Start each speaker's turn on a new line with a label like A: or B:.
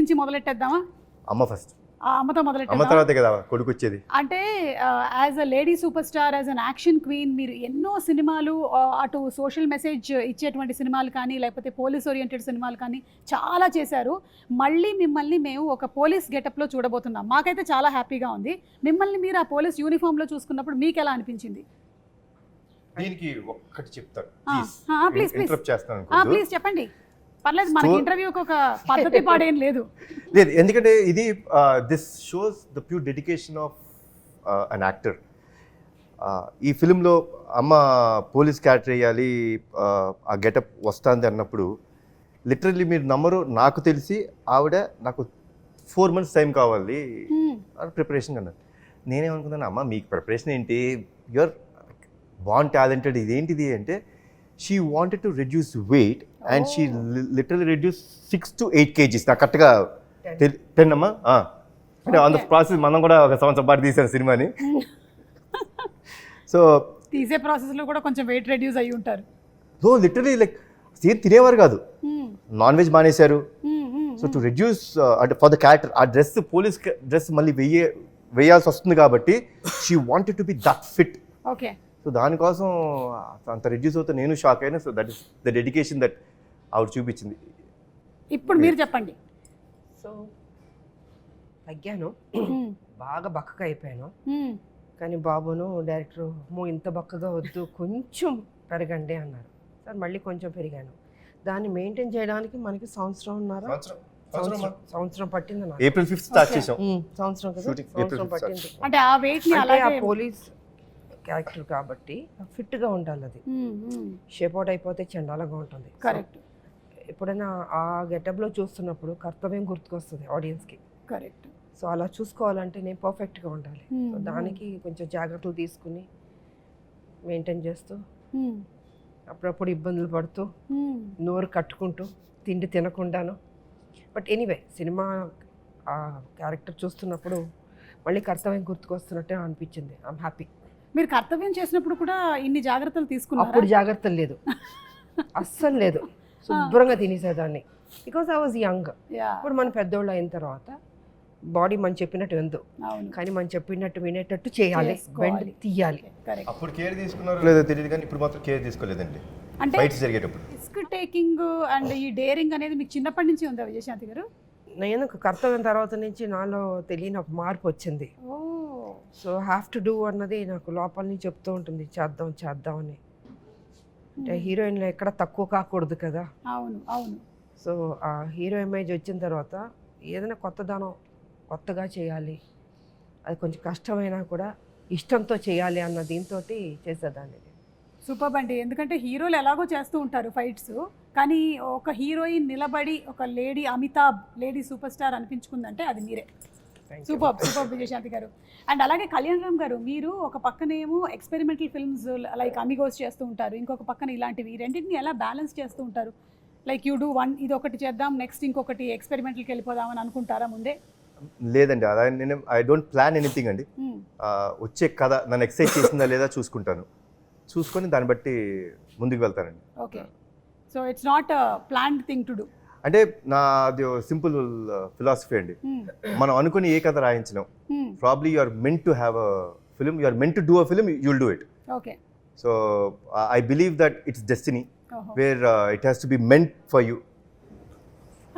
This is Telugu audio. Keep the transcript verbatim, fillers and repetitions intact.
A: నుంచి మొదలెట్టేద్దామా?
B: అమ్మ ఫస్ట్,
A: ఆ అమ్మతో
B: అమ్మ
A: మొదలెట్టేద్దాం.
B: తర్వాతే కదా కొడుకు వచ్చేది.
A: అంటే as a lady super star, as an action queen, మీరు ఎన్నో సినిమాలు ఆ, అటు సోషల్ మెసేజ్ ఇచ్చేటువంటి సినిమాలు కానీ లేకపోతే పోలీస్ ఓరియంటెడ్ సినిమాలు కానీ చాలా చేశారు. మళ్ళీ మిమ్మల్ని మేము ఒక పోలీస్ గెటప్లో చూడబోతున్నాం. మాకైతే చాలా హ్యాపీగా ఉంది. మిమ్మల్ని మీరు ఆ పోలీస్ యూనిఫామ్లో చూసుకున్నప్పుడు మీకు ఎలా అనిపించింది?
B: దీనికి ఒక్కటి చెప్తాను,
A: ప్లీజ్ ప్లీజ్
B: ఇంటరప్ట్ చేస్తాను.
A: ప్లీజ్ చెప్పండి, పర్లేదు. మనకి ఇంటర్వ్యూకి ఒక పద్ధతి పాడేం లేదు.
B: లేదు, ఎందుకంటే ఇది this shows the pure dedication of an actor. ఈ ఫిలింలో అమ్మ పోలీస్ క్యారెక్టర్ వేయాలి, ఆ గెటప్ వస్తుంది అన్నప్పుడు లిటరల్లీ మీరు నమ్మరు, నాకు తెలిసి ఆవిడ నాకు ఫోర్ మంత్స్ టైం కావాలి ప్రిపరేషన్ అన్నారు. నేనేమనుకున్నాను, అమ్మ మీకు ప్రిపరేషన్ ఏంటి, యువర్ బాన్ టాలెంటెడ్, ఇదేంటిది అంటే she wanted to reduce weight and she literally reduce six to eight kgs. నాకు కరెక్ట్గా టెన్ అమ్మా, అంటే ఆన్ ద ప్రాసెస్ మనం కూడా ఒక సంవత్సరం పాటు తీసాను సినిమాని. సో
A: తీసే ప్రాసెస్లో కూడా కొంచెం వెయిట్ రెడ్యూస్ అయ్యి ఉంటారు.
B: సో లిటరలీ లైక్ సేమ్ తినేవారు కాదు, నాన్ వెజ్ మానేశారు. సో టు రెడ్యూస్ అంటే ఫర్ ద క్యారెక్టర్, ఆ డ్రెస్ పోలీస్ డ్రెస్ మళ్ళీ వెయ్యే వేయాల్సి వస్తుంది కాబట్టి she wanted to be that fit.
A: Okay.
B: So దానికోసం అంత రెడ్యూస్ అవుతే నేను షాక్ అయినా. So that is the dedication that ఆవిడ చూపించింది.
A: ఇప్పుడు మీరు చెప్పండి.
C: సో తగ్గాను, బాగా బక్కగా అయిపోయాను. కానీ బాబును డైరెక్టర్ మో ఇంత బక్కగా వద్దు, కొంచెం పెరగండి అన్నారు. సార్ మళ్ళీ కొంచెం పెరిగాను. దాన్ని మెయింటైన్ చేయడానికి మనకి సంవత్సరం ఉన్నారా, సంవత్సరం పట్టింది నాకు.
B: ఏప్రిల్ ఫిఫ్త్ స్టార్ట్ చేసాం
C: సంవత్సరం కదా, సంవత్సరం పట్టింది.
A: అంటే ఆ వెయిట్ ని అలాగే
C: పోలీస్ క్యారెక్టర్ కాబట్టి ఫిట్గా ఉండాలి. అది షేప్ అవుట్ అయిపోతే చండాలంగా ఉంటుంది.
A: కరెక్ట్.
C: ఎప్పుడైనా ఆ గెటప్లో చూస్తున్నప్పుడు కర్తవ్యం గుర్తుకొస్తుంది ఆడియన్స్కి.
A: కరెక్ట్.
C: సో అలా చూసుకోవాలంటే నేను పర్ఫెక్ట్గా ఉండాలి. సో దానికి కొంచెం జాగ్రత్తలు తీసుకుని మెయింటైన్ చేస్తూ అప్పుడప్పుడు ఇబ్బందులు పడుతూ నోరు కట్టుకుంటూ తిండి తినకుండాను. బట్ ఎనీవే సినిమా ఆ క్యారెక్టర్ చూస్తున్నప్పుడు మళ్ళీ కర్తవ్యం గుర్తుకొస్తున్నట్టే అనిపించింది. I'm happy.
A: మీరు కర్తవ్యం చేసినప్పుడు కూడా ఇన్ని జాగ్రత్తలు తీసుకున్నారు?
C: అప్పుడు జాగ్రత్తలు లేదు, అస్సలు లేదు. శుభ్రంగా తినేసేదాన్ని, బికాస్ ఐ వాజ్ యంగ్. ఇప్పుడు మనం పెద్దోళ్ళు అయిన తర్వాత బాడీ మనం చెప్పినట్టు విందు, కానీ మనం చెప్పినట్టు వినేటట్టు చేయాలి, బెండ్ తీయాలి.
B: అప్పుడు కేర్ తీసుకున్నారో లేదో తెలియదు, కానీ ఇప్పుడు మాత్రం కేర్ తీసుకోలేదండి.
A: అంటే
B: ఫైట్స్ జరిగేటప్పుడు
A: రిస్క్ టేకింగ్ అండ్ ఈ డేరింగ్ అనేది మీకు చిన్నప్పటి నుంచి ఉందా విజయశాంతి గారు?
C: నేను కర్తవ్యం తర్వాత నుంచి నాలో తెలియని ఒక మార్పు వచ్చింది. సో హ్యావ్ టు డూ అన్నది నాకు లోపల నుంచి చెప్తూ ఉంటుంది, చేద్దాం చేద్దాం అని. అంటే హీరోయిన్లో ఎక్కడ తక్కువ కాకూడదు కదా.
A: అవును అవును.
C: సో ఆ హీరో ఇమేజ్ వచ్చిన తర్వాత ఏదైనా కొత్తదనం కొత్తగా చేయాలి, అది కొంచెం కష్టమైనా కూడా ఇష్టంతో చేయాలి అన్న దీంతో చేసేదాన్ని.
A: సూపర్ అండి. ఎందుకంటే హీరోలు ఎలాగో చేస్తూ ఉంటారు ఫైట్స్, కానీ ఒక హీరోయిన్ నిలబడి ఒక lady Amitabh lady super star అనిపించుకుందంటే అది మీరే. సూపర్ సూపర్ విజయశాంతి గారు. అండ్ అలాగే కళ్యాణ్ రామ్ గారు, మీరు ఒక పక్కనేమో ఎక్స్పెరిమెంటల్ ఫిల్మ్స్ లైక్ అమిగోస్ చేస్తూ ఉంటారు, ఇంకొక పక్కన ఇలాంటివి, రెండింటిని ఎలా బ్యాలెన్స్ చేస్తూ ఉంటారు? లైక్ యూ డూ వన్, ఇది ఒకటి చేద్దాం, నెక్స్ట్ ఇంకొకటి ఎక్స్పెరిమెంటల్కి వెళ్ళిపోదామని అనుకుంటారా ముందే?
B: లేదండి, అలా నేను ఐ డోంట్ ప్లాన్ ఎనీథింగ్ అండి. వచ్చే కథ నన్ను ఎక్సైట్ చేసిందా లేదా చూసుకుంటాను, చూసుకొని దాన్ని బట్టి ముందుకు వెళ్తానండి.
A: Okay. So it's not planned thing to do.
B: అంటే నాది సింపుల్ ఫిలాసఫీ అండి. మనం అనుకుని ఏ కథ రాయించినాం, probably you are meant to have a film, you are meant to do a film, you will do it.
A: Okay.
B: So I believe that it's destiny where it has to be meant for you.